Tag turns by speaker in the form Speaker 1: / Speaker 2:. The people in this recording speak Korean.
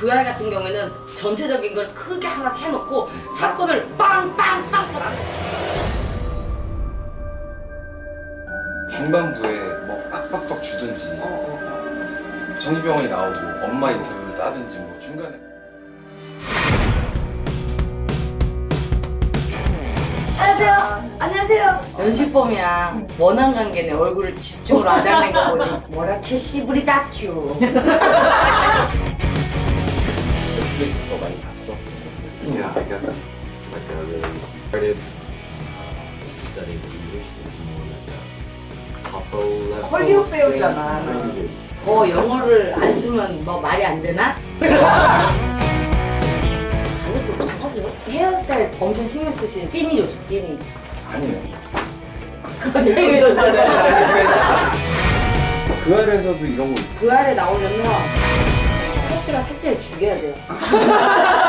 Speaker 1: 그 아이 같은 경우에는 전체적인 걸 크게 하나 해놓고 사건을 빵빵빵 터뜨려.
Speaker 2: 중반부에 뭐 빡빡빡 주든지 정신병원이 나오고 엄마 인터뷰를 따든지 뭐 중간에
Speaker 1: 안녕하세요. 안녕하세요. 연식범이야. 원한 관계네. 얼굴을 집중으로 아작낸 거 보니 뭐라채 씨부리 다큐.
Speaker 2: 넷플릭스 더 많이 봤어?
Speaker 3: Yeah, I got like a really started studying English. It's more like a upper level.
Speaker 4: 헐리우드 배우잖아.
Speaker 1: 영어를 안 쓰면 뭐 말이 안 되나? 아무튼 하세요. 헤어스타일 엄청 신경 쓰시는 찐이 요즘 찐이.
Speaker 2: 아니에요.
Speaker 1: 갑자기 왜 이런 말을
Speaker 2: 그 아래에서도 이런 거
Speaker 1: 그 아래 나오려면 첫째가 셋째를 죽여야 돼요.